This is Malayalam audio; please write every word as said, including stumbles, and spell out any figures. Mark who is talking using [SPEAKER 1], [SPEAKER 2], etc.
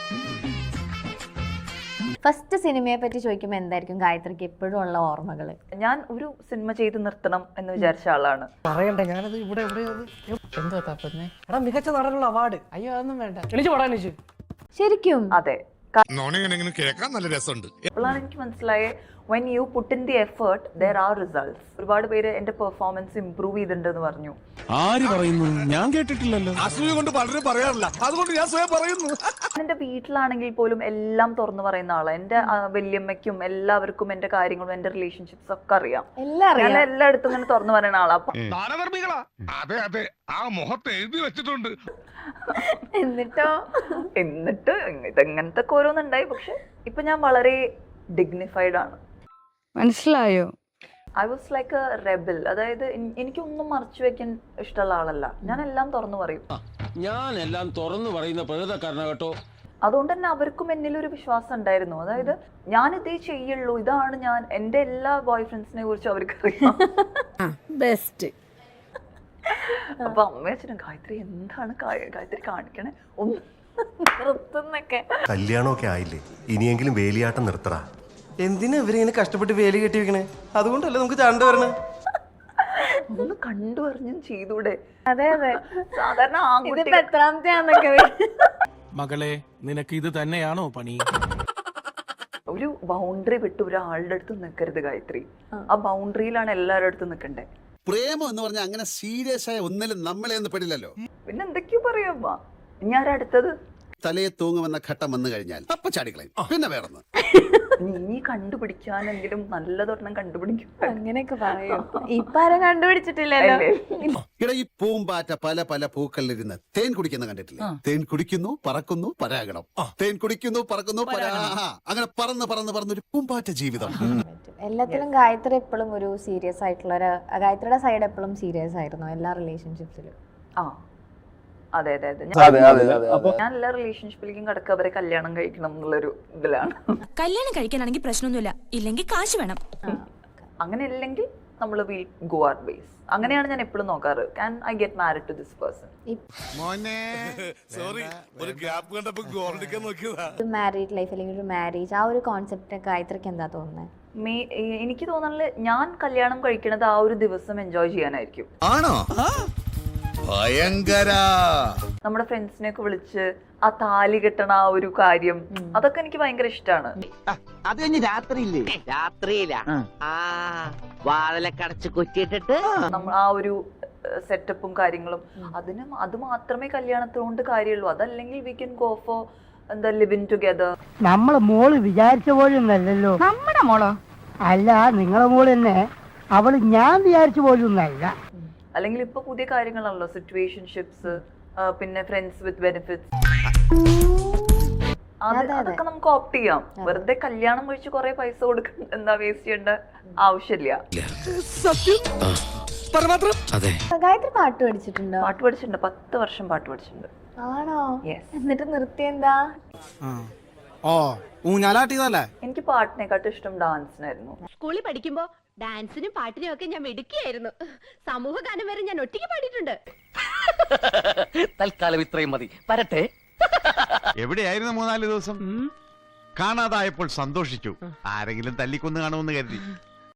[SPEAKER 1] ഫസ്റ്റ് സിനിമയെ പറ്റി ചോദിക്കുമ്പോൾ എന്തായിരിക്കും ഗായത്രിക്ക് എപ്പോഴും ഉള്ള ഓർമ്മകൾ?
[SPEAKER 2] ഞാൻ ഒരു സിനിമ ചെയ്ത് നിർത്തണം എന്ന് വിചാരിച്ച ആളാണ്.
[SPEAKER 3] പറയണ്ടേ ഞാനത് ഇവിടെ
[SPEAKER 4] എന്തോ തപ്പുന്നേ?
[SPEAKER 3] എടാ മികച്ച നടനുള്ള അവാർഡ്.
[SPEAKER 4] അയ്യോ അതൊന്നും വേണ്ട.
[SPEAKER 3] എണീച്ചു പോടാ എണീച്ചു.
[SPEAKER 1] ശരിക്കും
[SPEAKER 2] അതെ.
[SPEAKER 5] കേൾക്കാൻ നല്ല രസമുണ്ട്.
[SPEAKER 2] അപ്പോഴാണ് എനിക്ക് മനസ്സിലായേ when you put in the effort there are results. ഒരുപാട് പേര് എന്റെ പെർഫോമൻസ് ഇംപ്രൂവ് ചെയ്തിട്ടുണ്ടെന്ന് പറഞ്ഞു.
[SPEAKER 5] ആര് പറയുന്നു? ഞാൻ കേട്ടിട്ടില്ലല്ലോ. അസൂയ കൊണ്ട് പലരും പറയാറില്ല, അതുകൊണ്ട് ഞാൻ സ്വയം പറയുന്നു.
[SPEAKER 2] എന്റെ വീട്ടിലാണെങ്കിൽ പോലും എല്ലാം തുറന്നു പറയുന്ന ആളാണ്. എന്റെ വല്യമ്മയ്ക്കും എല്ലാവർക്കും എന്റെ കാര്യങ്ങളും എന്റെ റിലേഷൻഷിപ്സ് ഒക്കെ അറിയാം. ഞാൻ എല്ലായിടത്തും ഇങ്ങനെ തുറന്നു പറയുന്ന ആളാ. അപ്പൊ
[SPEAKER 5] അതെ അതെ, ആ മുഖത്ത് എഴുതി വെച്ചിട്ടുണ്ട്.
[SPEAKER 1] എന്നിട്ടോ
[SPEAKER 2] എന്നിട്ട് ഇതെങ്ങനത്തെ ഓരോന്നുണ്ടായി. പക്ഷെ ഇപ്പൊ ഞാൻ വളരെ ഡിഗ്നിഫൈഡ് ആണ്.
[SPEAKER 6] മനസ്സിലായോ?
[SPEAKER 2] I was like a rebel. അതായത് എനിക്കൊന്നും മറച്ചു വെക്കാൻ ഇഷ്ടമുള്ള ആളല്ല. ഞാൻ എല്ലാം തുറന്നു പറയും.
[SPEAKER 7] ഞാൻ എല്ലാം തുറന്നു പറയുന്ന പ്രകൃതക്കാരനാ കേട്ടോ.
[SPEAKER 2] അതുകൊണ്ട് തന്നെ അവർക്കും എന്നിലൊരു വിശ്വാസം ഉണ്ടായിരുന്നു. അതായത് ഞാൻ ഇതേ ചെയ്യുള്ളൂ, ഇതാണ് ഞാൻ. എന്റെ എല്ലാ ബോയ് ഫ്രണ്ട്സിനെ കുറിച്ച് അവർക്ക് അറിയാം.
[SPEAKER 6] ബെസ്റ്റ്.
[SPEAKER 2] അപ്പൊ അമ്മ അച്ഛനും ഗായത്രി എന്താണ് ഗായത്രി കാണിക്കണേ, ഒന്ന് നിർത്തുന്നൊക്കെ.
[SPEAKER 8] കല്യാണമൊക്കെ ആയില്ലേ, ഇനിയെങ്കിലും വേലിയാട്ടം നിർത്തറ.
[SPEAKER 3] എന്തിനാ ഇവരിങ്ങനെ കഷ്ടപ്പെട്ട് വേലി കെട്ടി വെക്കണേ? അതുകൊണ്ടല്ലേ നമുക്ക് ചാണ്ട വരണേ.
[SPEAKER 2] ഒന്ന് കണ്ടു പറഞ്ഞും ചെയ്തൂടെ?
[SPEAKER 1] അതെ അതെ,
[SPEAKER 2] സാധാരണ
[SPEAKER 1] ഇതിപ്പോ എത്രാമത്തെയാന്നൊക്കെ.
[SPEAKER 5] മകളെ, നിനക്ക് ഇത് തന്നെയാണോ പണി?
[SPEAKER 2] ഒരു ബൗണ്ടറി വിട്ട് ഒരാളുടെ അടുത്ത് നിൽക്കരുത് ഗായത്രി. ആ ബൗണ്ടറിയിലാണ് എല്ലാവരുടെ അടുത്തും നിൽക്കണ്ടേ.
[SPEAKER 9] പ്രേമം എന്ന് പറഞ്ഞാൽ അങ്ങനെ സീരിയസ് ആയ ഒന്നിലും നമ്മളെ ഒന്നും പെടില്ലല്ലോ.
[SPEAKER 2] പിന്നെ എന്തൊക്കെയോ പറയാ. ഞാൻ അടുത്തത്
[SPEAKER 9] തലയെ തൂങ്ങുമെന്ന ഘട്ടം വന്നു കഴിഞ്ഞാൽ അപ്പൊ ചാടിക്കളയും. പിന്നെ വേറൊന്ന്
[SPEAKER 2] നീ കണ്ടുപിടിക്കാനെങ്കിലും നല്ലതൊരെണ്ണം കണ്ടുപിടിക്കും.
[SPEAKER 1] അങ്ങനെയൊക്കെ പറയും. ഇപ്പൊ ആരും കണ്ടുപിടിച്ചിട്ടില്ലല്ലോ.
[SPEAKER 9] ഇട ഈ പൂമ്പാറ്റ പല പല പൂക്കളിലിരുന്ന് തേൻ കുടിക്കുന്ന കണ്ടിട്ടില്ലേ? തേൻ കുടിക്കുന്നു, പറക്കുന്നു, പരാഗണം. തേൻ കുടിക്കുന്നു, പറക്കുന്നു, പരാ അങ്ങനെ പറന്ന് പറന്ന് പറന്നൊരു പൂമ്പാറ്റ ജീവിതം.
[SPEAKER 1] എല്ലാത്തിലും ഗായത്രി എപ്പോഴും ഒരു സീരിയസ് ആയിട്ടുള്ള ഒരു, ഗായത്രിയുടെ സൈഡ് എപ്പോഴും സീരിയസ് ആയിരുന്നു എല്ലാ റിലേഷൻഷിപ്സിലും.
[SPEAKER 2] ആ അതെ അതെ അതെ. ഞാൻ എല്ലാ റിലേഷൻഷിപ്പിലേക്കും കടക്കുക അവരെ കല്യാണം കഴിക്കണം എന്നുള്ളൊരു ഇതിലാണ്.
[SPEAKER 10] കല്യാണം കഴിക്കാനാണെങ്കിൽ പ്രശ്നമൊന്നുമില്ല, ഇല്ലെങ്കിൽ കാശ് വേണം.
[SPEAKER 2] അങ്ങനെ ഇല്ലെങ്കിൽ നമ്മൾ വിൽ ഗോ അവർ വേസ്. അങ്ങനെയാണ് ഞാൻ എപ്പോഴും നോക്കാറ്. Can I get married to this person?
[SPEAKER 1] Married life അല്ലെങ്കിൽ ഒരു മാരേജ്, ആ ഒരു കോൺസെപ്റ്റ് ഗായത്രിക്ക് എന്താ തോന്നുന്നത്?
[SPEAKER 2] എനിക്ക് തോന്നുന്നത് ഞാൻ കല്യാണം കഴിക്കണത് ആ ഒരു ദിവസം എൻജോയ് ചെയ്യാനായിരിക്കും.
[SPEAKER 9] ആണോ? ഭയങ്കര.
[SPEAKER 2] നമ്മുടെ ഫ്രണ്ട്സിനെ ഒക്കെ വിളിച്ച് ആ താലി കെട്ടണ ആ ഒരു കാര്യം, അതൊക്കെ എനിക്ക് ഭയങ്കര ഇഷ്ടമാണ്.
[SPEAKER 11] അത് കഴിഞ്ഞ് രാത്രിയില്ലേ? രാത്രിയില്ല, ആ വാതിലൊക്കെ അടച്ച് കുറ്റിയിട്ടിട്ട്
[SPEAKER 2] നമ്മൾ ആ ഒരു സെറ്റപ്പും കാര്യങ്ങളും, അതിന് അത് മാത്രമേ കല്യാണത്തിനോണ്ട് കാര്യമുള്ളൂ. അതല്ലെങ്കിൽ വി കൻ ഗോ ഫോർ എന്താ ലിവിങ് ടുഗദർ.
[SPEAKER 12] നമ്മളെ മോള് വിചാരിച്ച പോലെയൊന്നല്ലോ.
[SPEAKER 6] നമ്മുടെ മോളോ?
[SPEAKER 12] അല്ല, നിങ്ങളെ മോള് തന്നെ. അവള് ഞാൻ വിചാരിച്ച പോലെയൊന്നല്ല.
[SPEAKER 2] അല്ലെങ്കിൽ ഇപ്പൊ പുതിയ കാര്യങ്ങളാണല്ലോ, സിറ്റുവേഷൻഷിപ്സ്, പിന്നെ ഫ്രണ്ട്സ് വിത്ത് ബെനിഫിറ്റ്സ്. അതൊക്കെ നമുക്ക് ഓപ്റ്റ് ചെയ്യാം. വെറുതെ കല്യാണം കഴിച്ച് കുറെ പൈസ കൊടുക്ക എന്താ വേസ്റ്റ് ചെയ്യേണ്ട ആവശ്യമില്ല.
[SPEAKER 1] ഗായത്രി പാട്ട് പഠിച്ചിട്ടുണ്ടോ?
[SPEAKER 2] പാട്ട് പഠിച്ചിട്ടുണ്ട്, പത്ത് വർഷം പാട്ട് പഠിച്ചിട്ടുണ്ട്.
[SPEAKER 1] ആണോ? എന്നിട്ട് നിർത്തിയെന്താ?
[SPEAKER 2] എനിക്ക് പാട്ടിനെക്കാട്ടും ഇഷ്ടം ഡാൻസിനായിരുന്നു.
[SPEAKER 10] സ്കൂളിൽ പഠിക്കുമ്പോ ഡാൻസിനും പാട്ടിനും ഒക്കെ ഞാൻ മിടുക്കിയായിരുന്നു. സമൂഹ ഗാനം വരെ ഞാൻ ഒറ്റയ്ക്ക് പാടിയിട്ടുണ്ട്.
[SPEAKER 11] തൽക്കാലം ഇത്രയും മതി, വരട്ടെ.
[SPEAKER 5] എവിടെയായിരുന്നു മൂന്നാല് ദിവസം? കാണാതായപ്പോൾ സന്തോഷിച്ചു. ആരെങ്കിലും തല്ലിക്കൊന്നു കാണുമെന്ന് കരുതി.